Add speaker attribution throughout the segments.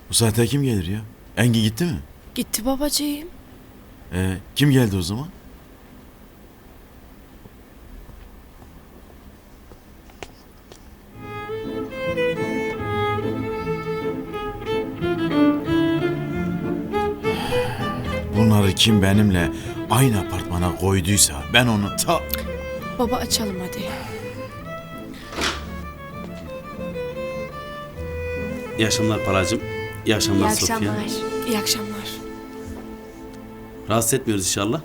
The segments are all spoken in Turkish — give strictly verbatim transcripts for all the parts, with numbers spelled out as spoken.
Speaker 1: Bu saatte kim gelir ya? Engin gitti mi?
Speaker 2: Gitti babacığım.
Speaker 1: Ee, kim geldi o zaman? Bunları kim benimle aynı apartmana koyduysa ben onu ta...
Speaker 2: Baba açalım hadi.
Speaker 3: İyi akşamlar Palacığım. İyi akşamlar
Speaker 4: İyi
Speaker 3: Sofya.
Speaker 4: akşamlar.
Speaker 2: İyi akşamlar.
Speaker 3: Rahatsız etmiyoruz inşallah.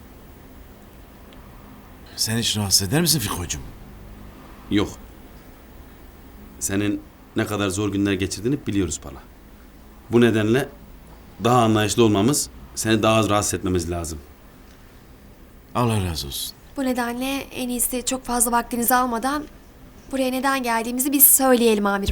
Speaker 1: Sen hiç rahatsız eder misin Fiko'cum?
Speaker 3: Yok. Senin ne kadar zor günler geçirdiğini biliyoruz Pala. Bu nedenle daha anlayışlı olmamız, seni daha az rahatsız etmemiz lazım.
Speaker 1: Allah razı olsun.
Speaker 4: Bu nedenle en iyisi çok fazla vaktinizi almadan buraya neden geldiğimizi biz söyleyelim amirim.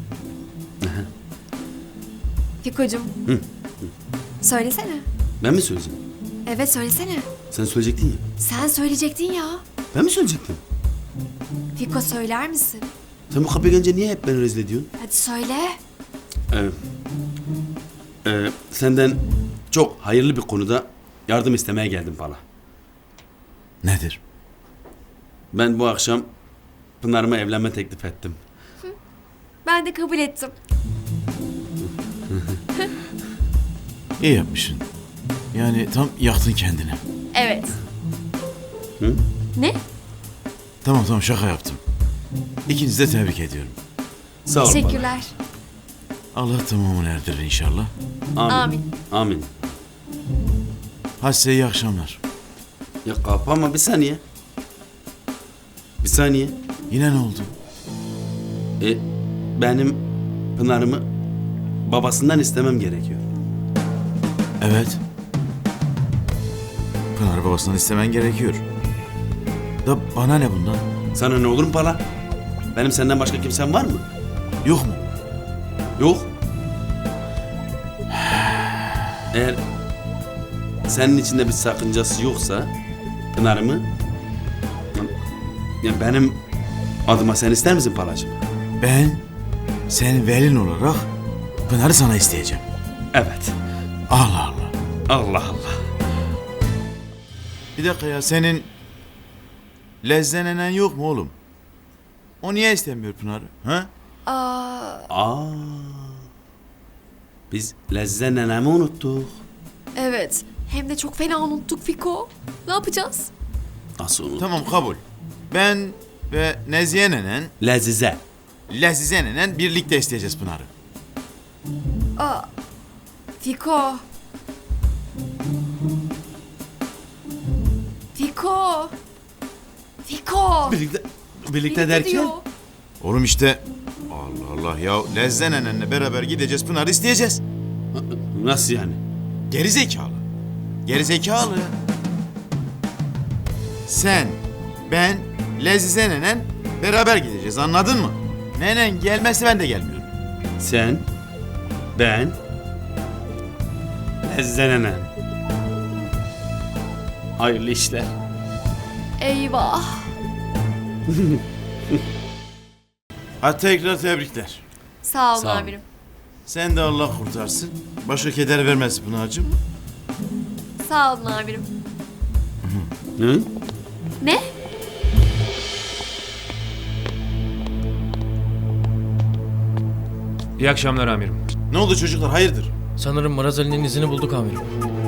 Speaker 4: Fiko'cum. Söylesene.
Speaker 3: Ben mi söyleyeceğim?
Speaker 4: Evet söylesene.
Speaker 3: Sen söyleyecektin ya.
Speaker 4: Sen söyleyecektin ya.
Speaker 3: Ben mi söyleyecektim?
Speaker 4: Fiko söyler misin?
Speaker 3: Sen bu kapıya gelince niye hep beni rezil ediyorsun?
Speaker 4: Hadi söyle.
Speaker 3: Ee, e, senden çok hayırlı bir konuda yardım istemeye geldim Pala.
Speaker 1: Nedir?
Speaker 3: Ben bu akşam Pınar'ıma evlenme teklif ettim.
Speaker 4: Ben de kabul ettim.
Speaker 1: İyi yapmışsın. Yani tam yaktın kendini.
Speaker 4: Evet.
Speaker 3: Hı?
Speaker 4: Ne?
Speaker 1: Tamam tamam şaka yaptım. İkinizi de tebrik ediyorum.
Speaker 3: Sağ ol Pala.
Speaker 4: Teşekkürler.
Speaker 1: Allah tamamını erdirir inşallah.
Speaker 3: Amin.
Speaker 4: Amin.
Speaker 3: Amin.
Speaker 1: Hadi size iyi akşamlar.
Speaker 3: Ya kapama bir saniye. Bir saniye.
Speaker 1: Yine ne oldu?
Speaker 3: E, benim Pınar'ımı babasından istemem gerekiyor.
Speaker 1: Evet. Pınar babasından istemen gerekiyor. Da bana ne bundan?
Speaker 3: Sana ne olur mu Pala? Benim senden başka kimsen var mı?
Speaker 1: Yok mu?
Speaker 3: Yok. Eğer senin içinde bir sakıncası yoksa Pınar'ımı ya benim adıma sen ister misin Palacığım?
Speaker 1: Ben senin velin olarak Pınar'ı sana isteyeceğim.
Speaker 3: Evet.
Speaker 1: Allah Allah.
Speaker 3: Allah Allah.
Speaker 1: Bir dakika ya senin lezzenenen yok mu oğlum? O niye istemiyor Pınar'ı? Ha?
Speaker 4: Aa,
Speaker 3: Aa. Biz Lezze nenemi unuttuk.
Speaker 4: evet. Hem de çok fena unuttuk Fiko. Ne yapacağız?
Speaker 3: Nasıl unuttuk?
Speaker 1: Tamam kabul. Ben ve Nezihe nenen,
Speaker 3: Lezize.
Speaker 1: Lezize nenen birlikte isteyeceğiz Pınar'ı.
Speaker 4: Aa, Fiko. Fiko. Fiko.
Speaker 3: Birlikte, birlikte,
Speaker 4: Birlikte
Speaker 3: derken?
Speaker 4: diyor.
Speaker 1: Oğlum işte Allah Allah ya Lezze nenenle beraber gideceğiz Pınar'ı isteyeceğiz.
Speaker 3: Nasıl yani?
Speaker 1: Geri zekalı. Geri zekalı. Sen, ben, Lezize nenen beraber gideceğiz anladın mı? Nenen gelmezse ben de gelmiyorum.
Speaker 3: Sen, ben, Lezze nenen. Hayırlı işler.
Speaker 4: Eyvah.
Speaker 1: Hadi tekrar tebrikler.
Speaker 4: Sağ olun
Speaker 3: Sağ olun.
Speaker 4: amirim.
Speaker 1: Sen de Allah kurtarsın. Başka keder vermez Pınar'cığım.
Speaker 4: Sağ olun amirim.
Speaker 3: Hı?
Speaker 4: Ne?
Speaker 5: İyi akşamlar amirim.
Speaker 1: Ne oldu çocuklar hayırdır?
Speaker 6: Sanırım Maraz Ali'nin izini bulduk amirim.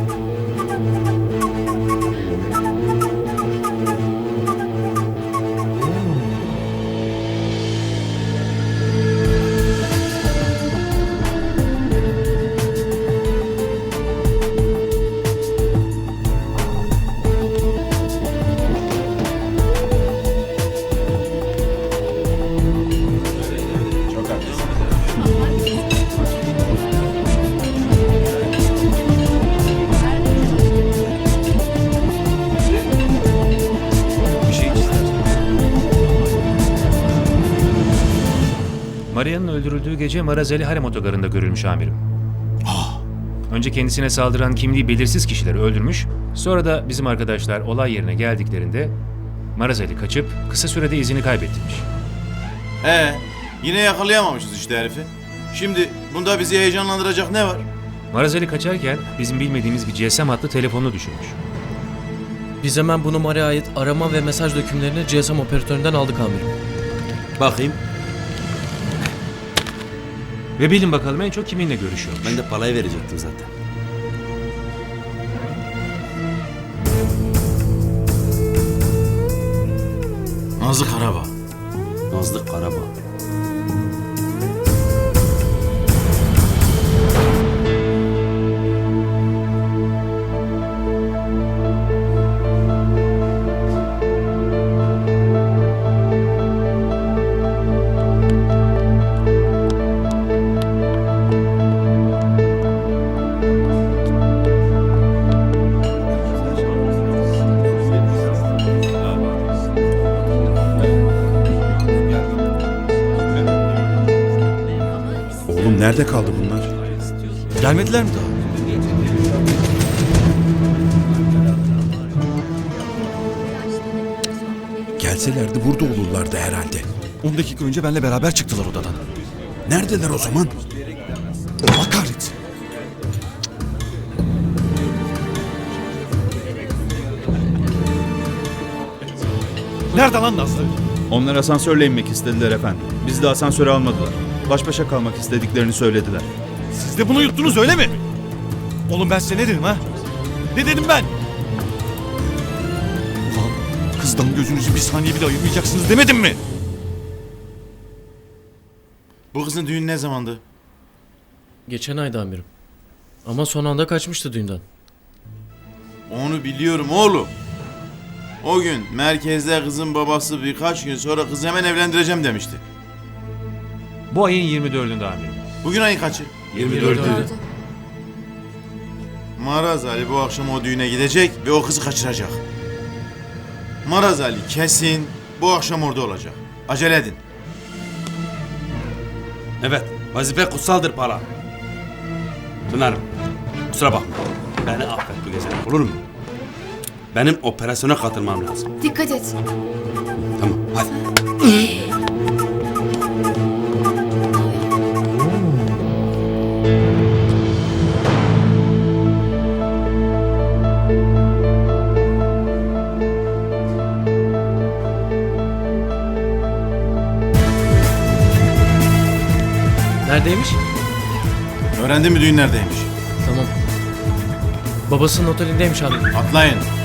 Speaker 5: Maria'nın öldürüldüğü gece Marazeli Harem Otogarı'nda görülmüş amirim. Önce kendisine saldıran kimliği belirsiz kişileri öldürmüş, sonra da bizim arkadaşlar olay yerine geldiklerinde Marazeli kaçıp kısa sürede izini kaybettirmiş.
Speaker 1: Ee, yine yakalayamamışız işte herifi. Şimdi bunda bizi heyecanlandıracak ne var?
Speaker 5: Marazeli kaçarken bizim bilmediğimiz bir G S M hattı telefonunu düşürmüş.
Speaker 6: Biz hemen bu numaraya ait arama ve mesaj dökümlerini G S M operatöründen aldık amirim.
Speaker 3: Bakayım.
Speaker 5: Ve bilin bakalım en çok kiminle görüşüyormuş.
Speaker 3: Ben de palayı verecektim zaten.
Speaker 1: Nazlı Karabağ.
Speaker 3: Nazlı Karabağ.
Speaker 7: Oğlum nerede kaldı bunlar?
Speaker 8: Gelmediler mi daha?
Speaker 7: Gelselerdi burada olurlardı herhalde.
Speaker 8: on dakika önce benimle beraber çıktılar odadan.
Speaker 7: Neredeler o zaman?
Speaker 8: Allah kahretsin. Nerede lan Nazlı?
Speaker 9: Onlar asansörle inmek istediler efendim. Bizi de asansöre almadılar. Baş başa kalmak istediklerini söylediler.
Speaker 8: Siz de bunu yuttunuz öyle mi? Oğlum ben size ne dedim ha? Ne dedim ben? Ulan kızdan gözünüzü bir saniye bile ayırmayacaksınız demedim mi?
Speaker 1: Bu kızın düğünü ne zamandı?
Speaker 6: Geçen ayda amirim. Ama son anda kaçmıştı düğünden.
Speaker 1: Onu biliyorum oğlum. O gün merkezde kızın babası birkaç gün sonra kızı hemen evlendireceğim demişti.
Speaker 5: Bu ayın yirmi dördünde amirim.
Speaker 1: Bugün ayın kaçı?
Speaker 5: yirmi dördü.
Speaker 4: Gördü.
Speaker 1: Maraz Ali bu akşam o düğüne gidecek ve o kızı kaçıracak. Maraz Ali kesin bu akşam orada olacak. Acele edin.
Speaker 3: Evet, vazife kutsaldır Pala. Pınar'ım, kusura bakma. Beni affet bu gece, olur mu? Benim operasyona katılmam lazım.
Speaker 4: Dikkat et.
Speaker 3: Tamam, hadi.
Speaker 6: Neredeymiş?
Speaker 1: Öğrendin mi düğün neredeymiş?
Speaker 6: Tamam. Babasının otelindeymiş amirim.
Speaker 1: Atlayın.